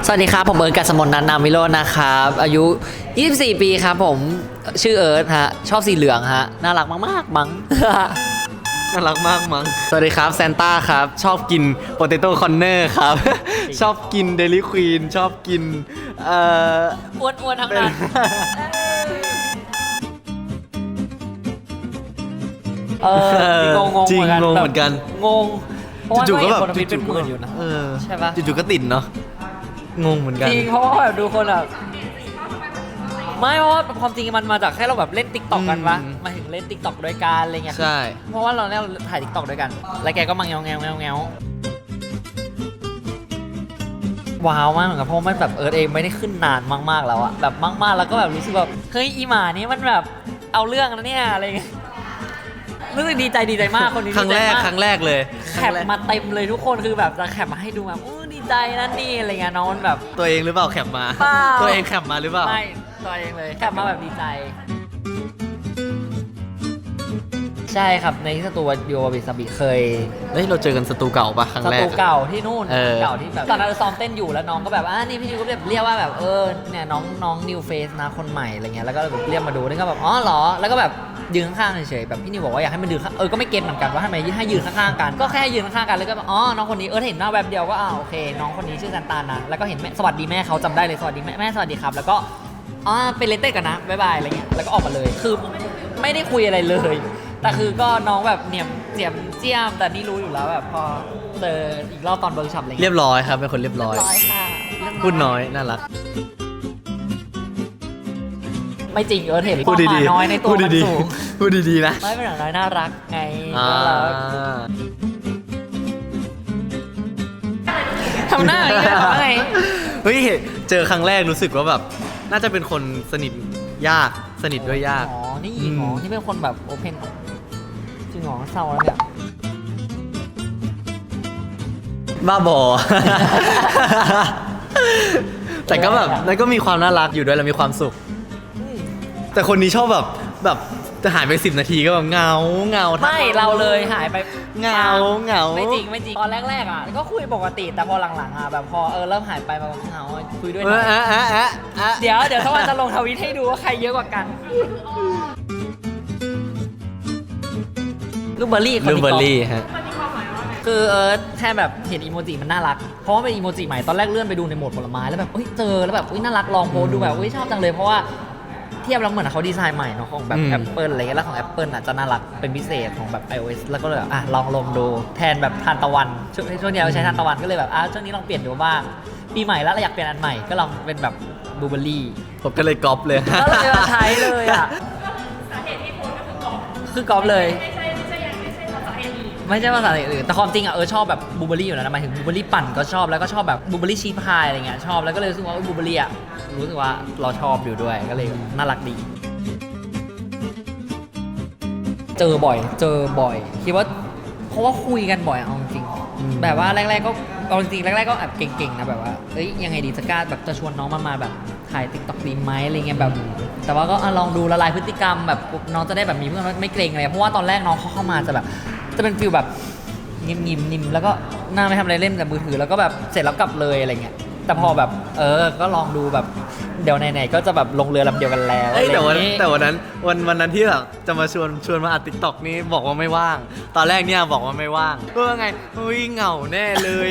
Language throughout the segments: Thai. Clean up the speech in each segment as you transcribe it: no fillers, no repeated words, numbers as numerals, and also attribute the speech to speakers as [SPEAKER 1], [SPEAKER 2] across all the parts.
[SPEAKER 1] สวัสดีครับผมเอิร์ธกัสมนต์นันท์ นามวิโรจน์นะครับอายุ24ปีครับผมชื่อเอิร์ธฮะชอบสีเหลืองฮะน่ารักมากๆมั้ง
[SPEAKER 2] น่ารักมากมั้งสวัสดีครับแซนต้าครับชอบกินโปเตโต้คอนเนอร์ครับ ชอบกินเดลิควีนชอบกิน
[SPEAKER 1] อ้วนๆทั้งนั้น
[SPEAKER 2] จริงงงเหมือนกัน
[SPEAKER 1] งง
[SPEAKER 2] จู่ๆก็แบบ
[SPEAKER 1] จู่ๆเป็นหมื่นอยู่นะใช่ปะ
[SPEAKER 2] จู่ๆก็ติดเนาะงงเหมือนกัน
[SPEAKER 1] จริงเพราะว่าแบบดูคนแบบไม่เพราะว่าความจริงมันมาจากแค่เราแบบเล่นติ๊กต็อกกันปะมาถึงเล่นติ๊กต็อกด้วยกันอะไรเงี้ย
[SPEAKER 2] ใช่
[SPEAKER 1] เพราะว่าเราเนี่ยถ่ายติ๊กต็อกด้วยกันแล้วแกก็มาแงวว้าวมากเหมือนกันเพราะมันแบบเอิร์ธเองไม่ได้ขึ้นนานมากๆแล้วอะแบบมากๆแล้วก็แบบรู้สึกแบบเฮ้ยอีหมานี่มันแบบเอาเรื่องแล้วเนี่ยอะไรเงี้ยรู้สึกดีใจมากคนนี้
[SPEAKER 2] ครั้งแรกเลย
[SPEAKER 1] แคปมาเต็มเลยทุกคนคือแบบจะแคปมาให้ดูแบบดีใจนั่นนี่อะไรเงี้ยน้องมันแบบ
[SPEAKER 2] ตัวเองหรือเปล่าแคปมาตัวเองแคปมาหรือเปล่า
[SPEAKER 1] ไม่ตัวเองเลยแคปมาแบบดีใจใช่ครับในสตูดิโอบิสบิเคย
[SPEAKER 2] เราเจอกันสตูเก่าปะครั้งแรก
[SPEAKER 1] สตูเก่าที่นู่นเก่าที่แบบตอนนั้นซ้อมเต้นอยู่แล้วน้องก็แบบนี่พี่นิวก็แบบเรียกว่าแบบเนี่ยน้องนิวเฟสนะคนใหม่อะไรเงี้ยแล้วก็เรียกมาดูนี่ก็แบบอ๋อเหรอแล้วก็แบบยืนข้างๆเฉยๆแบบพี่นิวบอกว่าอยากให้มันยืนก็ไม่เก็ตเหมือนกันว่าทำไมให้ยืนข้างๆกันก็แค่ยืนข้างๆกันแล้วก็อ๋อน้องคนนี้เห็นหน้าแวบเดียวก็โอเคน้องคนนี้ชื่อซันตานะแล้วก็เห็นแม่สวัสดีแม่เขาจำได้เลยสวัสดีแม่สวัสดีครับแล้วก็เป็นเลนเต้กันนะบ๊ายบายอะไรเงี้ยแล้วก็ออกมาเลยคือไม่ได้คุยอะไรเลยแต่คือก็น้องแบบเนี่ยเจียมแต่นี่รู้อยู่แล้วแบบพอเจออีกรอบตอนเวิร์กช็อปอะไรเ
[SPEAKER 2] รียบร้อยครับเป็นคนเรียบร้อย
[SPEAKER 1] ค่ะ
[SPEAKER 2] พูดน้อยน่ารัก
[SPEAKER 1] ไม่จริงเห็นความหมาน้อยในตัวมันสูง
[SPEAKER 2] พูดดีๆนะ
[SPEAKER 1] ไม่เป็นอย่างน้อยน่ารักไงทำหน้าอย่างนี้ทำไง
[SPEAKER 2] เฮ้ยเจอครั้งแรกรู้สึกว่าแบบน่าจะเป็นคนสนิทยากสนิทด้วยยาก
[SPEAKER 1] นี่หมอที่เป็นคนแบบโอเพนจริงหรอเศร้าแล้วเนี่ย
[SPEAKER 2] บ้าบอ แต่ก็แบบแล้วก็มีความน่ารักอยู่ด้วยแล้วมีความสุขแต่คนนี้ชอบแบบจะหายไป10 นาทีก็แบบเงา
[SPEAKER 1] ไม่เราเลยหายไป
[SPEAKER 2] เงา
[SPEAKER 1] ไม่จริงตอนแรกก็คุยปกติแต่พอหลังๆแบบพอเริ่มหายไปแบบเงาคุยด้วยนะเดี๋ยวถ้าวันจะลงทวิตให้ดูว่าใครเยอะกว่ากันลูกเบอร์รี่
[SPEAKER 2] ฮะ
[SPEAKER 1] คือแค่แบบเห็นอีโมจิมันน่ารักเพราะว่าเป็นอีโมจิใหม่ตอนแรกเลื่อนไปดูในโหมดผลไม้แล้วแบบเจอแล้วแบบน่ารักลองโพสดูแบบชอบจังเลยเพราะว่าเทียบแล้วเหมือนเขาดีไซน์ใหม่เนาะของแบบ Apple อะไรเงี้ยแล้วของ Apple จะน่ารักเป็นพิเศษของแบบ iOS แล้วก็เลยลองลงดูแทนแบบทานตะวันช่วงนี้เราใช้ทานตะวันก็เลยแบบช่วงนี้ลองเปลี่ยนดูบ้างปีใหม่แล้วเราอยากเปลี่ยนอันใหม่ก็ลองเป็นแบบบลูเบอร์รี่
[SPEAKER 2] ผมก็เลยก๊อปเลย
[SPEAKER 1] ก็เลยมาใช้เลยสาเหตุที่โพสก็คือก๊อปเลยไม่ใช่ภาษาอื่นแต่ความจริงชอบแบบบลูเบอร์รี่อยู่แล้วนะหมายถึงบลูเบอร์รี่ปั่นก็ชอบแล้วก็ชอบแบบบลูเบอร์รี่ชีสพายอะไรเงี้ยชอบแล้วก็เลยรู้สึกว่าบลูเบอร์รี่รู้สึกว่าเราชอบอยู่ด้วยก็เลยน่ารักดีเจอบ่อยคิดว่าเพราะว่าคุยกันบ่อยเอาจริงแบบว่าแรกๆก็เอาจริงแรกๆก็แอบเก่งๆนะแบบว่ายังไงดีจะกล้าแบบจะชวนน้องมาแบบถ่ายติ๊กต็อกดีไหมอะไรเงี้ยแบบแต่ว่าก็ลองดูละลายพฤติกรรมแบบน้องจะได้แบบมีเพื่อนไม่เกรงอะไรเพราะว่าตอนแรกน้องเข้ามาจะแบบจะเป็นฟิลแบบนิ่มแล้วก็หน้าไม่ทำอะไรเล่นแต่มือถือแล้วก็แบบเสร็จแล้วกลับเลยอะไรเงี้ยแต่พอแบบก็ลองดูแบบเดี๋ยวไหนๆก็จะแบบลงเรือลำเดียวกันแล้ว
[SPEAKER 2] แต่วันนั้นที่แบบจะมาชวนมาอัดติ๊กต็อกนี่บอกว่าไม่ว่างตอนแรกเนี่ยบอกว่าไม่ว่างไงเหงาแน่เลย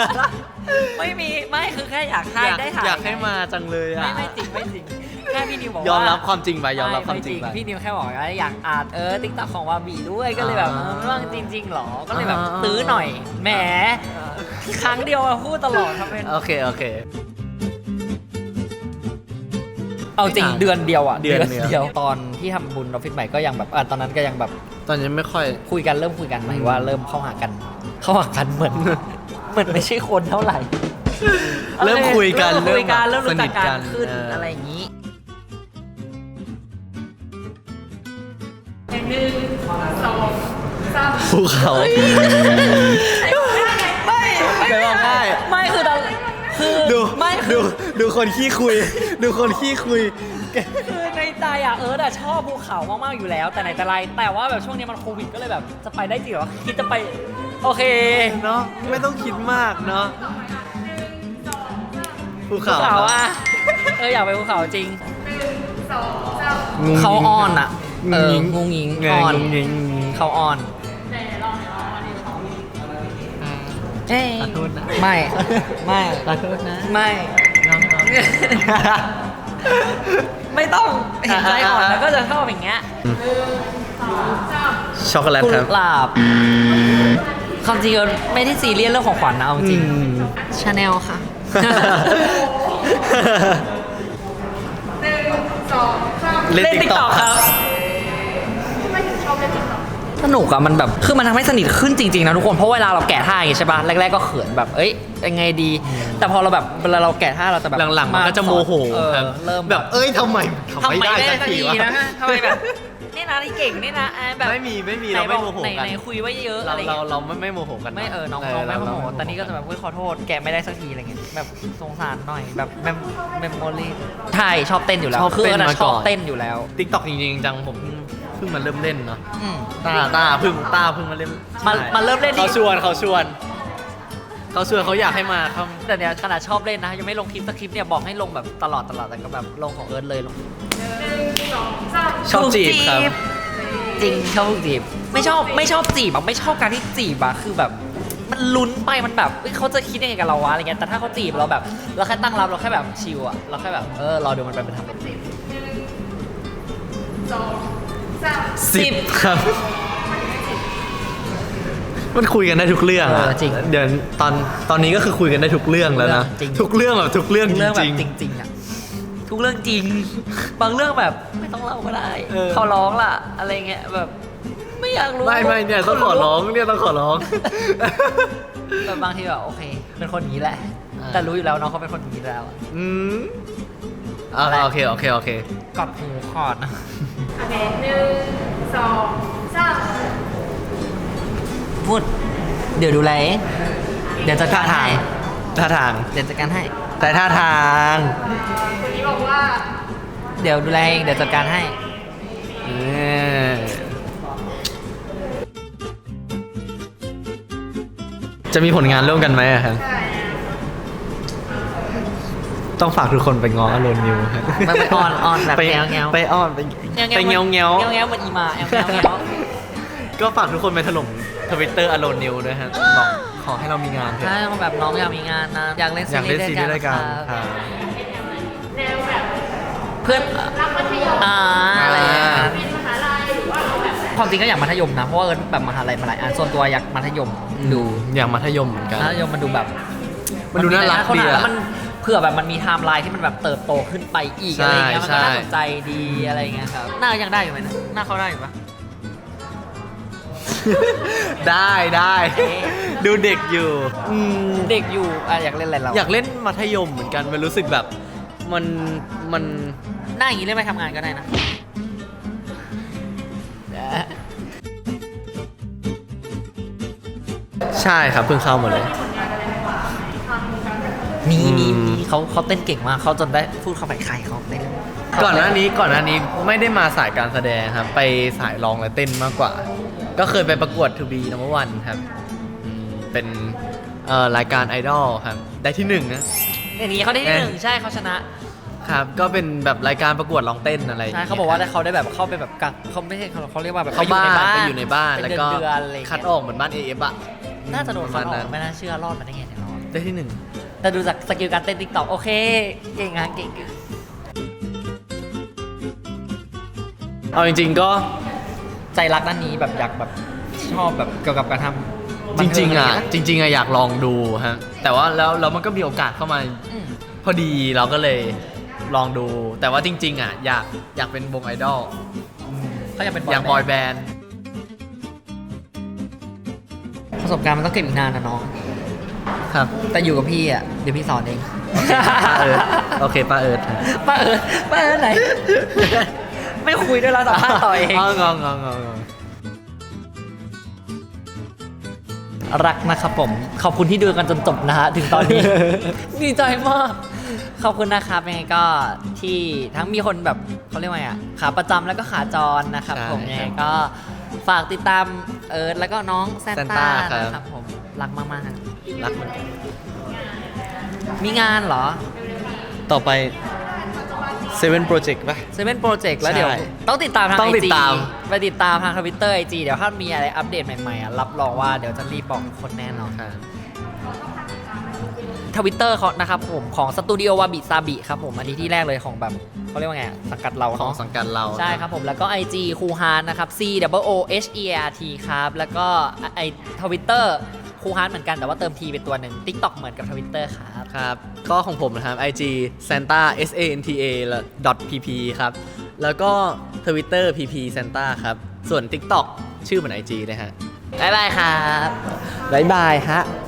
[SPEAKER 1] ไม่คือแค่อยากให้ได้ถ่าย
[SPEAKER 2] อยากให้มาจังเลย
[SPEAKER 1] ไม่จริงแค่พี่นิวบอกว่าย
[SPEAKER 2] อมรับความจริงไปยอมรับความจริงไป
[SPEAKER 1] พี่นิวแค่บอกว่าอยากอัดติ๊กต็อกของวาบีด้วยก็เลยแบบไม่ว่างจริงๆหรอก็เลยแบบตื้อหน่อยแหมครั้งเดียวพูดตลอดครับเป็น
[SPEAKER 2] โอเค
[SPEAKER 1] เอาจริงเดือนเดียวตอนที่ทำบุญออฟฟิศใหม่ก็ยังแบบตอนนั้นก็ยังแบบ
[SPEAKER 2] ตอนนี้ไม่ค่อย
[SPEAKER 1] เริ่มคุยกันหมายว่าเริ่มเข้าหากันเหมือนไม่ใช่คนเท่าไหร่
[SPEAKER 2] เริ่มคุยกัน
[SPEAKER 1] เริ่มรู้จักกันขึ้นอะไรอย่างนี้
[SPEAKER 2] 1 2 3ภูเขา
[SPEAKER 1] ไม่คือตอน
[SPEAKER 2] ดูคนขี้คุย
[SPEAKER 1] คือในใจชอบภูเขามากๆอยู่แล้วแต่ไหนแต่ไรแต่ว่าแบบช่วงนี้มันโควิดก็เลยแบบจะไปได้จริงเหรอคิดจะไปโอเค
[SPEAKER 2] เนาะไม่ต้องคิดมากเนาะภู
[SPEAKER 1] ภู
[SPEAKER 2] เขา
[SPEAKER 1] เขาอ่ะอยากไปภูเขาจริง
[SPEAKER 2] งุ้ง
[SPEAKER 1] เขา
[SPEAKER 2] งิ้ง
[SPEAKER 1] อ้อนอ่ะงุงงิง
[SPEAKER 2] ไง
[SPEAKER 1] อ้อน
[SPEAKER 2] งุ้งงิ้ง
[SPEAKER 1] เขาอ้อนเอ้ย
[SPEAKER 2] ขอโทษนะ
[SPEAKER 1] ไม่ไม่
[SPEAKER 2] ขอโทษนะ
[SPEAKER 1] ไม่
[SPEAKER 2] น้อง
[SPEAKER 1] ไม่ต้องเห็นใจอ่อนแล้วก็จะชอบอย่างเงี้ย
[SPEAKER 2] ๆช็อกโกแลต
[SPEAKER 1] กุ
[SPEAKER 2] ครับ
[SPEAKER 1] หลาบความจริงเราไม่ได้ซีเรียสเรื่องของขวัญนะเอาจริง
[SPEAKER 2] อืม
[SPEAKER 1] ชาแนลค่ะ
[SPEAKER 2] เล่น
[SPEAKER 1] เล่น
[SPEAKER 2] ติ๊กต็อก
[SPEAKER 1] TikTok ครับสนุกอะมันแบบคือมันทำให้สนิทขึ้นจริงๆนะทุกคนเพราะเวลาเราแกะท่าอย่างงี้ใช่ป่ะแรกๆก็เขินแบบเอ้ยยังไงดี แต่พอเราแบบเวลาเราแกะท่าเราจะแบบ
[SPEAKER 2] หลังๆมันก็จะโมโห
[SPEAKER 1] ค
[SPEAKER 2] ค
[SPEAKER 1] รั
[SPEAKER 2] รั
[SPEAKER 1] บบ เริ่ม
[SPEAKER 2] แบบเอ้ยทำไมไม่ได้สักทีวะ
[SPEAKER 1] นะทำไมแบบนี่นะที่เก่งนี่นะแบบ
[SPEAKER 2] ไม่มีเราไม่โมโห
[SPEAKER 1] ไหน
[SPEAKER 2] กัน
[SPEAKER 1] ไหนคุยไว้เยอะ
[SPEAKER 2] เรา
[SPEAKER 1] อะไรเงี้ย
[SPEAKER 2] เราไม่โมโหกัน
[SPEAKER 1] ไม่น้องไม่โมโหแต่นี่ก็จะแบบเฮ้ยขอโทษแกะไม่ได้สักทีอะไรเงี้ยแบบสงสารหน่อยแบบเมมโมรี่ใช่ชอบเต้นอยู่แล้ว
[SPEAKER 2] ชอบ
[SPEAKER 1] คือ
[SPEAKER 2] เต้น
[SPEAKER 1] นะ
[SPEAKER 2] มา
[SPEAKER 1] ช
[SPEAKER 2] ก่
[SPEAKER 1] อ
[SPEAKER 2] อบ น
[SPEAKER 1] เต้นอยู่แล้ว
[SPEAKER 2] ติ๊กต็อกจริงๆจังผมเพิ่งมาเริ่มเล่นเนาะ
[SPEAKER 1] อืม
[SPEAKER 2] ตาเพิ่งมาเล่น
[SPEAKER 1] มาเริ่มเล่น
[SPEAKER 2] เขาชวนเขาอยากให้มาเขา
[SPEAKER 1] แต่เนี่ยขนาดชอบเล่นนะยังไม่ลงคลิปสักคลิปเนี่ยบอกให้ลงแบบตลอดแต่ก็แบบลงของเอิร์ธเลยลง
[SPEAKER 2] ชอบจีบครับ
[SPEAKER 1] จริงชอบจีบไม่ชอบจีบอะไม่ชอบการที่จีบอะคือแบบมันลุ้นไปมันแบบเฮ้ยเขาจะคิดยังไงกับเราวะอะไรเงี้ยแต่ถ้าเขาจีบเราแบบเราแค่ตั้งรับเราแค่แบบชิลอะเราแค่แบบรอดูมันไปทำแบบนี้
[SPEAKER 2] 10 ครับ มันคุยกันได้ทุกเรื่องอะ
[SPEAKER 1] จริง
[SPEAKER 2] เดี๋ยวตอนนี้ก็คือคุยกันได้ทุกเรื่องแล้วนะ
[SPEAKER 1] จริง
[SPEAKER 2] ทุกเรื่องแบบทุกเรื่อง
[SPEAKER 1] ทุกเรื่องแบ
[SPEAKER 2] จริ
[SPEAKER 1] บ
[SPEAKER 2] ง
[SPEAKER 1] จริงๆอะทุกเรื่องจริง บางเรื่องแบบไม่ต้องเล่าก็ได้
[SPEAKER 2] เออ
[SPEAKER 1] เขาร้องล่ะอะไรเงี้ยแบบไม่อยากรู้
[SPEAKER 2] ไม่เนี่ยต้องขอร้องเนี่ยต้องขอร้อง
[SPEAKER 1] แบบบางทีแบบโอเค เป็นคนอย่างนี้แหละ
[SPEAKER 2] อ่า
[SPEAKER 1] แต่รู้อยู่แล้วน้องเขาเป็นคนอย่างนี้แล้วอะ
[SPEAKER 2] อืมโอเค
[SPEAKER 1] กอดหูคอดนะ
[SPEAKER 3] โอเค1 2 3
[SPEAKER 1] พูด เดี๋ยวดูแลเองเดี๋ยวจัดการให้
[SPEAKER 2] ท่าทาง
[SPEAKER 1] เดี๋ยวจัดการให้
[SPEAKER 2] แต่ท่าทาง
[SPEAKER 3] คนนี้บอกว่า
[SPEAKER 1] เดี๋ยวดูแลเองเดี๋ยวจัดการให้
[SPEAKER 2] จะมีผลงานร่วมกันไหมอะครับ
[SPEAKER 3] ใช่
[SPEAKER 2] ต้องฝากทุกคนไปง้ออโลนนิวครับ
[SPEAKER 1] ไปอ้อนแบบ
[SPEAKER 2] ไป
[SPEAKER 1] แงวๆ
[SPEAKER 2] ไปอ้อนไปเงี้ยว
[SPEAKER 1] เงี้ยวเหมือนอีมาแงวเงี้ยว
[SPEAKER 2] ก็ฝากทุกคนไปถล่มทวิตเตอร์อโลนนิวด้วยฮะบอกขอให้เรามีงานเถอะ
[SPEAKER 1] ใช่แบบน้องอยากมีงานนะอยากเล่น
[SPEAKER 2] อยากเล่นซีรีส์ด้วยกัน
[SPEAKER 1] ครับ
[SPEAKER 2] ครับ
[SPEAKER 3] แนวแบบ
[SPEAKER 1] เพื่อน
[SPEAKER 3] รักมัธยม
[SPEAKER 1] อะไรอย่างเงี้ยครับ
[SPEAKER 3] เป็นมหาลัยหรือว่าเอาแบบ
[SPEAKER 1] ความจริงก็อยากมัธยมนะเพราะว่าเอิร์ธแบบมหาลัยมาหลายอันส่วนตัวอยากมัธยมดู
[SPEAKER 2] อย่างมัธยมเหมือนกัน
[SPEAKER 1] มัธยมมันดูแบบ
[SPEAKER 2] มันดูน่ารักดีอะ
[SPEAKER 1] แล้วมันเผื่อแบบมันมีไทม์ไลน์ที่มันแบบเติบโตขึ้นไปอีกอะไรอย่างเงี้ยมันก็น่าสนใจดีอะไรอย่างเงี้ยครับหน้ายังได้อยู่ไหมนะหน้าเขาได้อยู่ปะ
[SPEAKER 2] ได้
[SPEAKER 1] เอ๊ะ
[SPEAKER 2] ดูเด็กอยู่อืม
[SPEAKER 1] เด็กอยู่อยากเล่นอะไรเรา
[SPEAKER 2] อยากเล่นมัธยมเหมือนกันมันรู้สึกแบบมัน
[SPEAKER 1] หน้าอย่างนี้เล่นไปทำงานก็ได้นะ
[SPEAKER 2] ใช่ครับเพิ่งเข้ามาเลย
[SPEAKER 1] มี
[SPEAKER 2] อืม
[SPEAKER 1] เขาเต้นเก่งมากเขาจนได้พูดเข้าไปใครเขาเต้น
[SPEAKER 2] ก่อนหน้านี้ไม่ได้มาสายการแสดงครับ ไปสายร้องและเต้นมากกว่า ก็เคยไปประกวด To Be Number One ครับเป็นรายการไอดอลครับ ได้ที่หนึ่งนะ
[SPEAKER 1] อย่างนี้เขาได้ที่หนึ่งใช่เขาชนะ
[SPEAKER 2] ครับ ก็เป็นแบบรายการประกวดร้องเต้นอะไรย่ง
[SPEAKER 1] ใช่
[SPEAKER 2] งี้ย
[SPEAKER 1] เขาบอกว่าเขาได้แบบเข้าไปแบบกักเขาไม่ใช่เขาเรียกว่าแบบ
[SPEAKER 2] เข้าบ้านไปอยู่ในบ้าน
[SPEAKER 1] เป็
[SPEAKER 2] แล้ว
[SPEAKER 1] เดื
[SPEAKER 2] ก็
[SPEAKER 1] เดือนอะไรอย่าง
[SPEAKER 2] คัด
[SPEAKER 1] เงี้ย
[SPEAKER 2] ออกเหมือนบ้าน AF อะ
[SPEAKER 1] น่าจะโดน
[SPEAKER 2] ป
[SPEAKER 1] คั
[SPEAKER 2] ระ
[SPEAKER 1] ด
[SPEAKER 2] มาณ
[SPEAKER 1] ออ
[SPEAKER 2] นั้
[SPEAKER 1] ก
[SPEAKER 2] น
[SPEAKER 1] ไม่น่าเชื่อรอดมาได้ไงเนี่ยรอด
[SPEAKER 2] ได้ที่หนึ่ง
[SPEAKER 1] แต่ดูจากสกิลการเต้นติ๊กต็อกโอเค เก่งอะเก่ง
[SPEAKER 2] เอาจริงๆก็
[SPEAKER 1] ใจรักด้านนี้แบบอยากแบบชอบแบบเกี่ยวกับการทำ
[SPEAKER 2] จริงๆอ่ะ
[SPEAKER 1] บันเทิ
[SPEAKER 2] จริงๆอ่ะอยากลองดูฮะแต่ว่าแล้วมันก็มีโอกาสเข้ามา
[SPEAKER 1] อืม
[SPEAKER 2] พอดีเราก็เลยลองดู แต่ว่าจริง ๆอ่ะอยากเป็นวงไอดอล
[SPEAKER 1] เขาอยากเป็น
[SPEAKER 2] อยากบอยแบนด์
[SPEAKER 1] ประสบการณ์มันต้องเก็บอีกนานนะน้อง
[SPEAKER 2] ครับ
[SPEAKER 1] แต่อยู่กับพี่อ่ะเดี๋ยวพี่สอนเอง
[SPEAKER 2] โอเคป้าเอิร์ธ
[SPEAKER 1] ป้าเอิร์ธไหน ไม่คุยด้วยแล้วสัมภาษณ์ต่อเอง
[SPEAKER 2] งง
[SPEAKER 1] รักนะครับผม ขอบคุณที่ดูกันจนจบนะฮะ ถึงตอน นี้ ดีใจมาก ขอบคุณนะครับยังไงก็ที่ทั้งมีคนแบบเขาเรียกว่าไงอ่ะขาประจำแล้วก็ขาจรนะครับผมยังไงก็ฝากติดตามเอิร์ธแล้วก็น้องแซนต้านะครับผมรักมากๆ
[SPEAKER 2] รักเหมือนกัน
[SPEAKER 1] มีงานเหรอ
[SPEAKER 3] เร็ว
[SPEAKER 2] ต่อไป Seven Project ป่ะ
[SPEAKER 1] เซเว่นโปรเจกต์แล้วเดี๋ยว
[SPEAKER 2] ใช่
[SPEAKER 1] ต้องติดตามทาง
[SPEAKER 2] ต้อง
[SPEAKER 1] ไอ
[SPEAKER 2] ติด
[SPEAKER 1] จี
[SPEAKER 2] ตาม
[SPEAKER 1] ไปติดตามทางทวิตเตอร์ไอจีเดี๋ยวถ้ามีอะไรอัปเดตใหม่ๆอ่ะรับรองว่าเดี๋ยวจะรีบบอกทุกคนแน่นอน
[SPEAKER 2] ครับ
[SPEAKER 1] ทวิตเตอร์เขานะครับผมของสตูดิโอวาบิซาบิครับผมอันนี้ที่แรกเลยของแบบเขาเรียกว่าไงสังกัดเรา
[SPEAKER 2] ของ
[SPEAKER 1] เนาะ
[SPEAKER 2] สังกัดเรา
[SPEAKER 1] ใช่ครับผมแล้วก็ IG คูฮานนะครับ COOHERT ครับแล้วก็ไอทวิตเตอร์คูฮานเหมือนกันแต่ว่าเติม T เป็นตัวหนึ่ง TikTok เหมือนกับทวิตเตอร์ครับ
[SPEAKER 2] ครับก็ของผมนะครับ IG Santa SANTA .pp ครับ แล้วก็ Twitter PP Santa ครับ ส่วน TikTok ชื่อเหมือน IG เลยฮะ
[SPEAKER 1] บ๊ายบายครับ
[SPEAKER 2] บ๊ายบายฮะ